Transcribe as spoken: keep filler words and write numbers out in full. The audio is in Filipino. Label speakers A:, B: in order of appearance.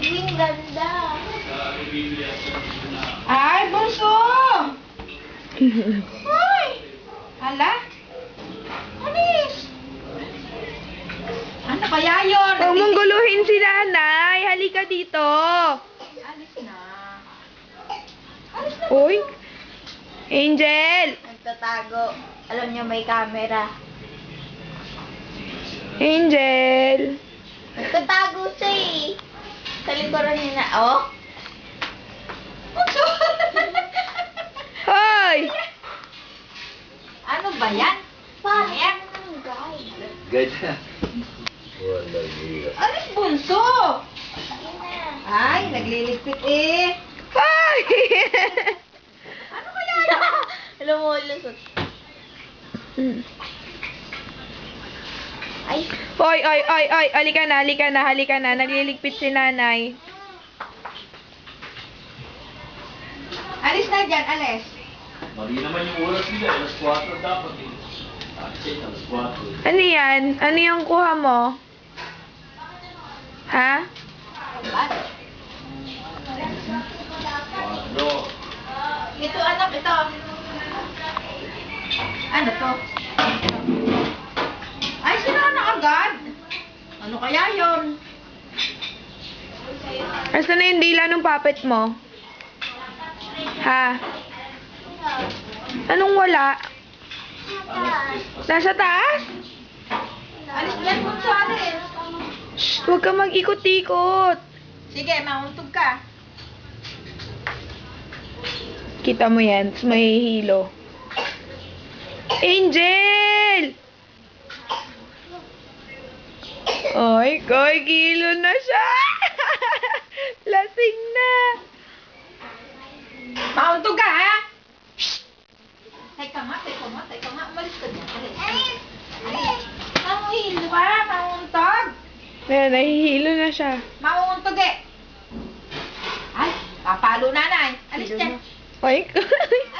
A: Ang ganda.
B: Ay, bunso! Hoy! Hala? Alis! Ano kaya yun?
C: Huwag mong guluhin si nanay. Halika dito.
B: Alis na.
C: Uy. Angel.
A: Nagtatago. Alam niyo may camera.
C: Angel.
A: Nagtatago siya eh. Sa likuran niya na, oh.
B: Bunso!
C: Hoy.
B: Ano ba yan?
A: Parang guys.
D: Ganyan. Walang iya.
B: Alis, bunso! Ay, nagliligpit eh.
C: Hoy.
B: Ano kaya yun?
A: Alam mo, lusot. Ay,
C: Hoy, oy, oy, oy. Halika na, halika na, halika na. Nagliligpit si nanay.
B: Alis na dyan, alis.
D: Mali naman yung oras nila. Alas kwatro dapat eh. Actually, alas kwatro.
C: Ano yan? Ano yung kuha mo? Ha?
B: Bas.
D: Kwatro.
B: Ito, anak, ito. Ano to? Ay, sira na agad. Ano kaya yun?
C: Asan na yung dila ng puppet mo? Ha? Anong wala? Nasa taas?
B: Alis yan, bunso, alis.
C: Shh, huwag ka mag-ikot-ikot.
B: Sige, mauntog ka.
C: Kita mo yan, tapos mahihilo. Angel! Ay, koy, kilo na siya! Lasing na!
B: Mauntog ka, ha? Teka nga, teka nga, teka nga. Umalis ka dyan. Alis. Alis. Alis. Mamuhilo ka, mauntog.
C: Ayan, nahihilo na siya.
B: Mauntog eh. Ay, papalo nanay. Alis dyan.
C: Ay, koy.